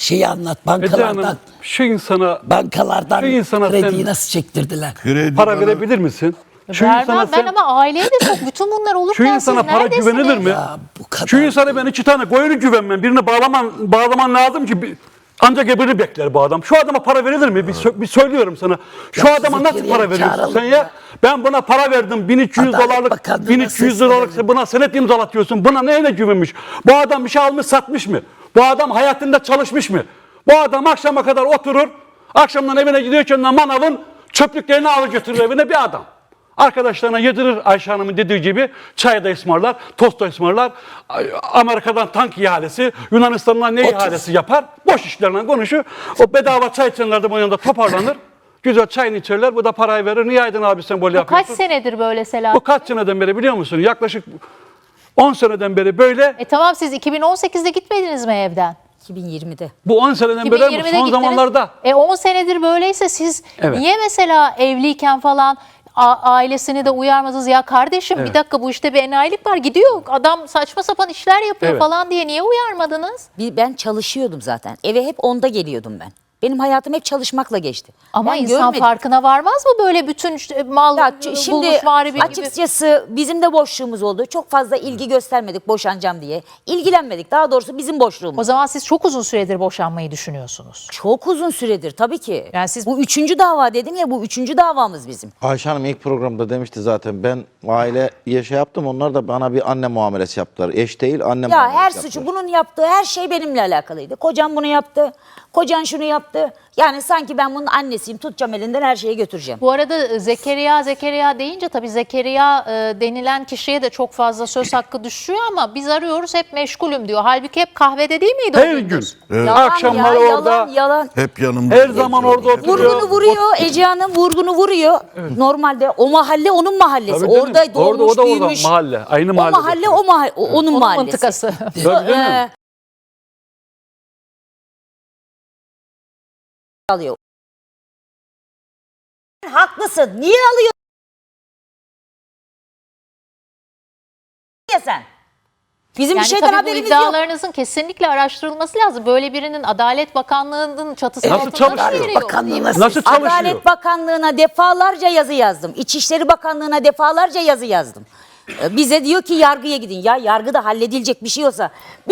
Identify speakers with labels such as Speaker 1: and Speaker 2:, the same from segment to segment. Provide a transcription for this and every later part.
Speaker 1: şeyi anlat.
Speaker 2: Ece Hanım,
Speaker 1: Bankalardan krediyi
Speaker 2: sen
Speaker 1: nasıl çektirdiler?
Speaker 2: para verebilir misin?
Speaker 3: Vermem ben ama aileye de çok bütün bunlar
Speaker 2: Şu
Speaker 3: olurken siz
Speaker 2: insana para
Speaker 3: neredesiniz?
Speaker 2: güvenilir mi?
Speaker 1: Ya bu kadar.
Speaker 2: Şu insana ben 2 tane koyunu güvenmem. Birini bağlaman lazım ki ancak öbürünü bekler bu adam. Şu adama para verilir mi? Bir söylüyorum sana. Şu
Speaker 1: Ya
Speaker 2: adama
Speaker 1: sizi
Speaker 2: nasıl
Speaker 1: geriye
Speaker 2: para veriyorsun
Speaker 1: çağıralım
Speaker 2: sen ya?
Speaker 1: ya.
Speaker 2: Ben buna para verdim. 1300
Speaker 1: Adalet
Speaker 2: dolarlık,
Speaker 1: Bakanlığı'na
Speaker 2: 1300 dolarlık
Speaker 1: seslenelim.
Speaker 2: buna senet imzalatıyorsun. Buna neyle güvenmiş? Bu adam bir şey almış satmış mı? Bu adam hayatında çalışmış mı? Bu adam akşama kadar oturur. Akşamdan evine gidiyorken manavın çöplüklerini alır götürür evine bir adam. Arkadaşlarına yedirir Ayşe Hanım'ın dediği gibi çay da ısmarlar, tost da ısmarlar. Amerika'dan tank ihalesi, Yunanistan'dan ne ihalesi yapar? Boş işlerle konuşur. O bedava çay içenler de bu yanında toparlanır. Güzel çayını içerler, bu da parayı verir. Niye Aydın abi sen böyle yapıyorsun?
Speaker 3: Kaç senedir böyle Selahattin?
Speaker 2: Bu kaç seneden beri biliyor musun? Yaklaşık 10 seneden beri böyle.
Speaker 3: Tamam siz 2018'de gitmediniz mi evden?
Speaker 4: 2020'de.
Speaker 2: Bu 10 seneden beri
Speaker 3: 2020'de
Speaker 2: son
Speaker 3: gittiniz.
Speaker 2: zamanlarda.
Speaker 3: 10 senedir böyleyse siz
Speaker 2: Evet.
Speaker 3: niye mesela evliyken falan ailesini de uyarmadınız? Ya kardeşim bir dakika bu işte bir enayilik var. Gidiyor adam saçma sapan işler yapıyor
Speaker 2: Evet.
Speaker 3: falan diye niye uyarmadınız?
Speaker 4: Ben çalışıyordum zaten. Eve hep 10'da geliyordum ben. Benim hayatım hep çalışmakla geçti.
Speaker 3: Ama
Speaker 4: Ben
Speaker 3: insan
Speaker 4: görmedim.
Speaker 3: farkına varmaz mı böyle bütün mal
Speaker 4: Ya şimdi
Speaker 3: bulmuşvari bir gibi?
Speaker 4: açıkçası bizim de boşluğumuz oldu. Çok fazla ilgi göstermedik boşanacağım diye. İlgilenmedik. Daha doğrusu bizim boşluğumuz.
Speaker 3: O zaman siz çok uzun süredir boşanmayı düşünüyorsunuz.
Speaker 4: Çok uzun süredir tabii ki.
Speaker 3: Yani siz-
Speaker 4: Bu 3. dava dedim ya, bu 3. davamız bizim.
Speaker 5: Ayşe Hanım ilk programda demişti zaten, ben aileye şey yaptım, onlar da bana bir anne muamelesi yaptılar. Eş değil, anne
Speaker 4: Ya
Speaker 5: muamelesi
Speaker 4: her
Speaker 5: yaptılar.
Speaker 4: suçu, bunun yaptığı her şey benimle alakalıydı. Kocam bunu yaptı. Kocan şunu yaptı. Yani sanki ben bunun annesiyim. Tutacağım elinden, her şeye götüreceğim.
Speaker 3: Bu arada Zekeriya deyince tabii Zekeriya denilen kişiye de çok fazla söz hakkı düşüyor ama biz arıyoruz hep meşgulüm diyor. Halbuki hep kahvede değil miydi o
Speaker 2: Her gün.
Speaker 3: gündüz?
Speaker 4: Yalan
Speaker 2: Akşamları
Speaker 4: ya,
Speaker 2: orada.
Speaker 4: yalan.
Speaker 6: Hep yanımda.
Speaker 2: Her zaman orada oturuyor.
Speaker 4: Vurgunu vuruyor Ece Hanım, vurgunu vuruyor. Normalde o mahalle onun mahallesi.
Speaker 2: Tabii canım.
Speaker 4: Orada doğmuş,
Speaker 2: Orada o da
Speaker 4: büyümüş.
Speaker 2: mahalle. Aynı
Speaker 4: O
Speaker 2: mahallede.
Speaker 4: mahalle onun
Speaker 3: Onun
Speaker 4: mahallesi.
Speaker 3: mıntıkası.
Speaker 2: Tabii canım.
Speaker 4: Alıyor. Haklısın. Niye alıyor? Ya sen. Bizim
Speaker 3: Yani
Speaker 4: bir şeyden
Speaker 3: tabii bu
Speaker 4: haberimiz yok.
Speaker 3: iddialarınızın kesinlikle araştırılması lazım. Böyle birinin Adalet Bakanlığı'nın çatısı
Speaker 2: Nasıl
Speaker 3: altında
Speaker 2: çalışıyor?
Speaker 3: nasıl yeri yok?
Speaker 1: Bakanlığına
Speaker 2: Nasıl çalışıyor?
Speaker 4: Adalet Bakanlığı'na defalarca yazı yazdım. İçişleri Bakanlığı'na defalarca yazı yazdım. Bize diyor ki yargıya gidin. Ya yargıda halledilecek bir şey olsa.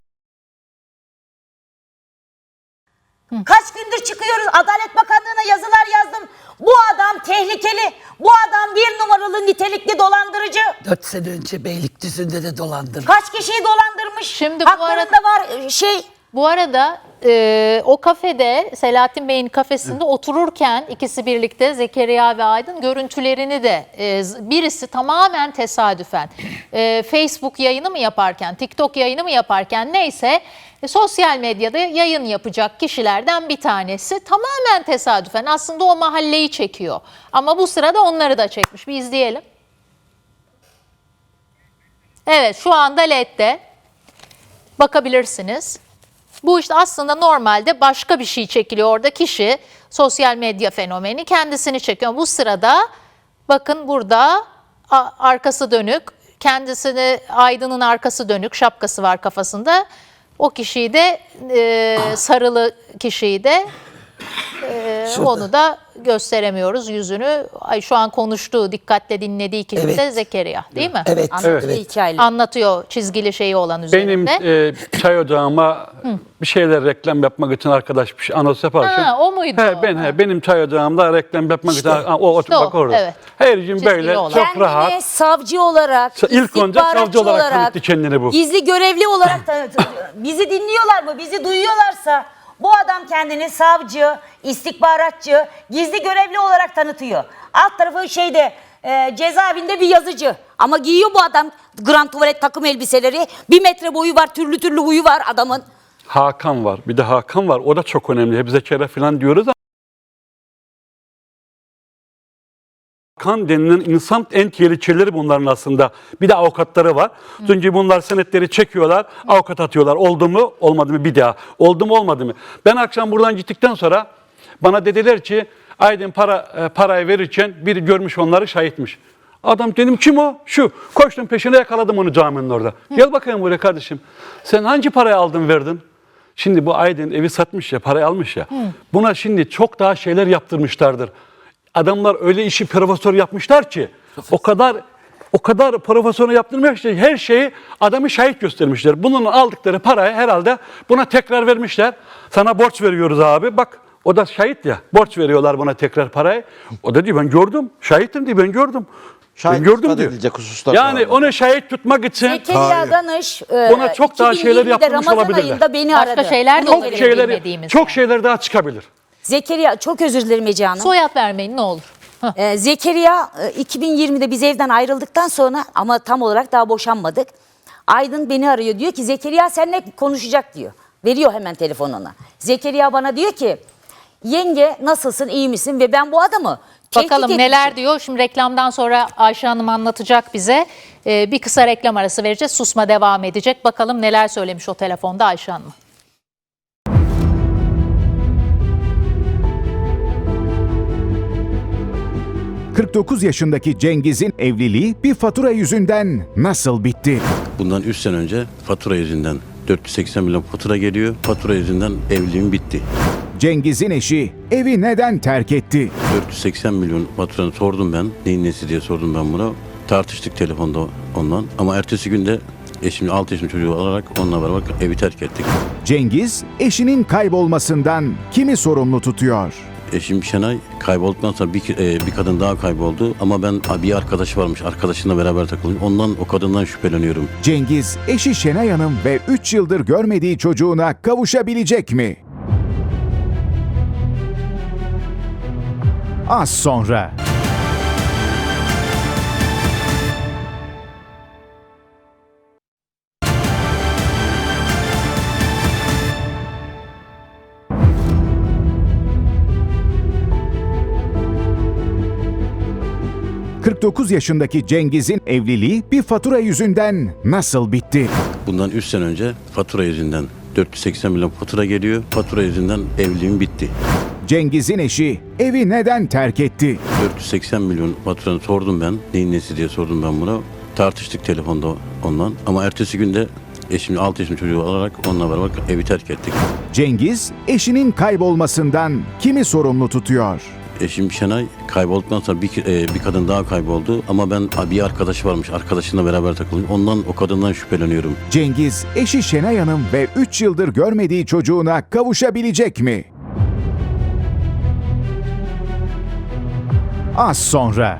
Speaker 4: Kaç gündür çıkıyoruz, Adalet Bakanlığı'na yazılar yazdım. Bu adam tehlikeli. Bu adam 1 numaralı nitelikli dolandırıcı.
Speaker 1: 4 sene önce Beylikdüzü'nde de dolandırdı.
Speaker 4: Kaç kişiyi dolandırmış.
Speaker 3: Şimdi bu
Speaker 4: Haklarında var
Speaker 3: Bu arada o kafede Selahattin Bey'in kafesinde otururken ikisi birlikte Zekeriya ve Aydın görüntülerini de birisi tamamen tesadüfen Facebook yayını mı yaparken, TikTok yayını mı yaparken neyse sosyal medyada yayın yapacak kişilerden bir tanesi tamamen tesadüfen aslında o mahalleyi çekiyor. Ama bu sırada onları da çekmiş. Bir izleyelim. Evet şu anda LED'de bakabilirsiniz. Bu işte aslında normalde başka bir şey çekiliyor orada. Kişi sosyal medya fenomeni kendisini çekiyor. Bu sırada bakın burada arkası dönük, kendisini Aydın'ın arkası dönük, şapkası var kafasında. O kişiyi de sarılı kişiyi de onu da gösteremiyoruz yüzünü. Şu an konuştuğu, dikkatle dinlediği kişi de Zekeriya değil mi?
Speaker 1: Evet.
Speaker 4: Anlatıyor hikayeleri.
Speaker 3: Anlatıyor çizgili şeyi olan üzerinde.
Speaker 2: Benim çay ocağıma bir şeyler reklam yapmak için arkadaş bir şey anons yaparken.
Speaker 3: Ha, o muydu?
Speaker 2: Benim çay ocağımda reklam yapmak için o
Speaker 3: İşte o,
Speaker 2: bak orada.
Speaker 3: evet.
Speaker 2: Her gün
Speaker 3: Çizgili
Speaker 2: böyle
Speaker 3: olan.
Speaker 2: çok
Speaker 4: Kendini
Speaker 2: rahat.
Speaker 4: savcı olarak,
Speaker 2: İlk önce savcı
Speaker 4: istihbaratçı
Speaker 2: olarak tanıttı kendini bu.
Speaker 4: Gizli görevli olarak tanıtıyor. Bizi dinliyorlar mı? Bizi duyuyorlarsa bu adam kendini savcı, istihbaratçı, gizli görevli olarak tanıtıyor. Alt tarafı cezaevinde bir yazıcı. Ama giyiyor bu adam grand tuvalet takım elbiseleri. 1 metre boyu var, türlü türlü huyu var adamın.
Speaker 2: Hakan var. Bir de Hakan var. O da çok önemli. Hep Zekeriya falan diyoruz ama Hakan denilen insan en tehlikelileri bunların aslında. Bir de avukatları var. Çünkü bunlar senetleri çekiyorlar, avukat atıyorlar. Oldu mu, olmadı mı bir daha. Oldu mu, olmadı mı? Ben akşam buradan gittikten sonra bana dediler ki Aydın parayı verirken biri görmüş onları şahitmiş. Adam dedim kim o? Şu. Koştum peşine yakaladım onu caminin orada. Gel bakayım buraya kardeşim. Sen hangi parayı aldın verdin? Şimdi bu Aydın evi satmış ya, parayı almış ya. Buna şimdi çok daha şeyler yaptırmışlardır. Adamlar öyle işi profesör yapmışlar ki o kadar profesör yaptırmış ki her şeyi adamı şahit göstermişler. Bunun aldıkları parayı herhalde buna tekrar vermişler. Sana borç veriyoruz abi. Bak o da şahit ya. Borç veriyorlar buna tekrar parayı. O da diyor ben gördüm. Şahitim diyor ben gördüm.
Speaker 5: Şahit
Speaker 2: Ben gördüm
Speaker 5: ispat
Speaker 2: diyor.
Speaker 5: edilecek hususlar
Speaker 2: Yani
Speaker 5: var.
Speaker 2: onu şahit tutmak için
Speaker 4: Zekeriya Danış
Speaker 2: Ona çok daha şeyler
Speaker 4: 2020'de
Speaker 2: yapılmış
Speaker 4: Ramazan
Speaker 2: olabilirler.
Speaker 4: ayında beni
Speaker 3: Başka
Speaker 4: aradı.
Speaker 3: şeyler de
Speaker 4: Bunu
Speaker 3: olabilir.
Speaker 4: verelim.
Speaker 3: bilmediğimiz
Speaker 2: çok
Speaker 3: yani.
Speaker 2: şeyler daha çıkabilir.
Speaker 4: Zekeriya çok özür dilerim Ece Hanım.
Speaker 3: Soyad vermeyin ne olur.
Speaker 4: Zekeriya 2020'de biz evden ayrıldıktan sonra ama tam olarak daha boşanmadık. Aydın beni arıyor diyor ki Zekeriya seninle konuşacak diyor. Veriyor hemen telefonuna. Zekeriya bana diyor ki yenge nasılsın iyi misin ve ben bu adamı tehdit
Speaker 3: Bakalım
Speaker 4: etmişim.
Speaker 3: neler diyor. Şimdi reklamdan sonra Ayşe Hanım anlatacak bize. Bir kısa reklam arası vereceğiz. Susma devam edecek. Bakalım neler söylemiş o telefonda Ayşe Hanım.
Speaker 6: ...49 yaşındaki Cengiz'in evliliği bir fatura yüzünden nasıl bitti?
Speaker 7: Bundan 3 sene önce fatura yüzünden 480 milyon fatura geliyor. Fatura yüzünden evliliğim bitti.
Speaker 6: Cengiz'in eşi evi neden terk etti?
Speaker 7: 480 milyon faturanı sordum ben. Neyin nesi diye sordum ben buna. Tartıştık telefonda ondan. Ama ertesi günde eşimin 6 yaşında çocuğu alarak onunla beraber evi terk ettik.
Speaker 6: Cengiz eşinin kaybolmasından kimi sorumlu tutuyor?
Speaker 7: Eşim Şenay kaybolduktan sonra bir kadın daha kayboldu. Ama ben bir arkadaşı varmış. Arkadaşımla beraber takılıyor. Ondan o kadından şüpheleniyorum.
Speaker 6: Cengiz eşi Şenay Hanım ve 3 yıldır görmediği çocuğuna kavuşabilecek mi? Az sonra. ...49 yaşındaki Cengiz'in evliliği bir fatura yüzünden nasıl bitti?
Speaker 7: Bundan 3 sene önce fatura yüzünden 480 milyon fatura geliyor. Fatura yüzünden evliliğim bitti.
Speaker 6: Cengiz'in eşi evi neden terk etti?
Speaker 7: 480 milyon faturanı sordum ben. Neyin nesi diye sordum ben buna. Tartıştık telefonda ondan. Ama ertesi günde eşimin 6 yaşında çocuğu alarak onunla beraber evi terk ettik.
Speaker 6: Cengiz eşinin kaybolmasından kimi sorumlu tutuyor?
Speaker 7: Eşim Şenay kaybolduktan sonra bir kadın daha kayboldu. Ama ben bir arkadaşı varmış. Arkadaşımla beraber takılıyor. Ondan o kadından şüpheleniyorum.
Speaker 6: Cengiz eşi Şenay Hanım ve 3 yıldır görmediği çocuğuna kavuşabilecek mi? Az sonra.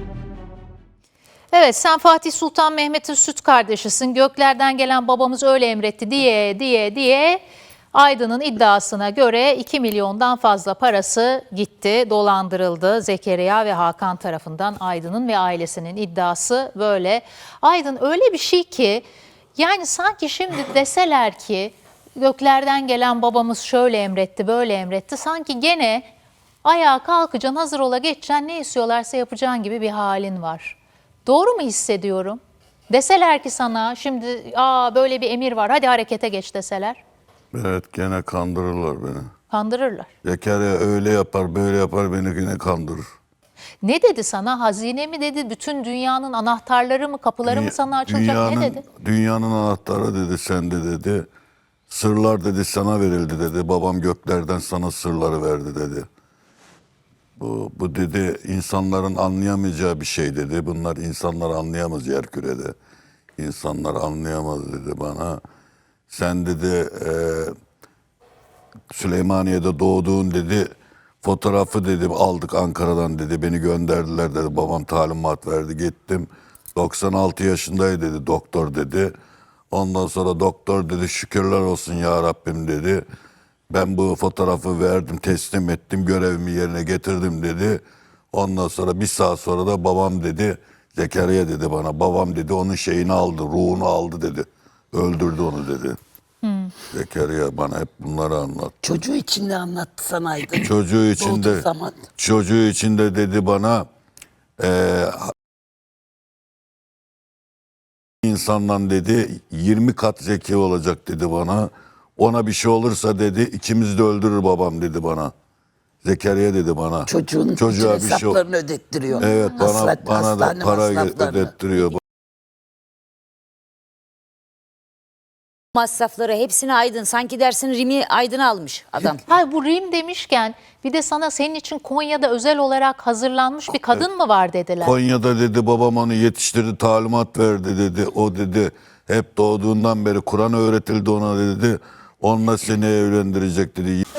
Speaker 3: Evet sen Fatih Sultan Mehmet'in süt kardeşisin. Göklerden gelen babamız öyle emretti diye Aydın'ın iddiasına göre 2 milyondan fazla parası gitti, dolandırıldı. Zekeriya ve Hakan tarafından Aydın'ın ve ailesinin iddiası böyle. Aydın öyle bir şey ki yani sanki şimdi deseler ki göklerden gelen babamız şöyle emretti, böyle emretti. Sanki gene ayağa kalkacaksın, hazır ola geçeceksin, ne istiyorlarsa yapacağın gibi bir halin var. Doğru mu hissediyorum? Deseler ki sana şimdi böyle bir emir var, hadi harekete geç deseler.
Speaker 8: Evet gene kandırırlar beni.
Speaker 3: Kandırırlar.
Speaker 8: Zekeriya öyle yapar böyle yapar beni yine kandırır.
Speaker 3: Ne dedi sana? Hazine mi dedi? Bütün dünyanın anahtarları mı, kapıları mı sana açılacak? Ne dedi?
Speaker 8: Dünyanın anahtarı dedi sende dedi. Sırlar dedi sana verildi dedi. Babam göklerden sana sırları verdi dedi. Bu dedi insanların anlayamayacağı bir şey dedi. Bunlar insanlar anlayamaz yerkürede. İnsanlar anlayamaz dedi bana. Sen dedi Süleymaniye'de doğduğun dedi fotoğrafı dedi aldık Ankara'dan dedi beni gönderdiler dedi babam talimat verdi gittim 96 yaşındaydı dedi doktor dedi ondan sonra doktor dedi şükürler olsun ya Rabbim dedi ben bu fotoğrafı verdim teslim ettim görevimi yerine getirdim dedi ondan sonra bir saat sonra da babam dedi Zekeriya dedi bana babam dedi onun şeyini aldı ruhunu aldı dedi öldürdü onu dedi. Zekeriya bana hep bunları anlattı.
Speaker 1: Çocuğu için de anlattı sana Aydın.
Speaker 8: Çocuğu için
Speaker 1: Doğduğu
Speaker 8: de
Speaker 1: zaman.
Speaker 8: çocuğu için de dedi bana insandan dedi 20 kat zeki olacak dedi bana. Ona bir şey olursa dedi ikimiz de öldürür babam dedi bana. Zekeriya dedi bana.
Speaker 1: Çocuğun bütün
Speaker 8: Çocuğa bir şey
Speaker 1: hesaplarını ödettiriyor.
Speaker 8: Evet bana da
Speaker 1: hastane
Speaker 8: para
Speaker 1: masraflarını.
Speaker 8: ödettiriyor.
Speaker 4: masrafları hepsini Aydın. Sanki dersin Rimi Aydın almış adam.
Speaker 3: Hayır, bu Rim demişken bir de sana senin için Konya'da özel olarak hazırlanmış bir kadın mı var dediler.
Speaker 8: Konya'da dedi babam onu yetiştirdi, talimat verdi dedi. O dedi hep doğduğundan beri Kur'an öğretildi ona dedi. Onunla seni evlendirecek dedi.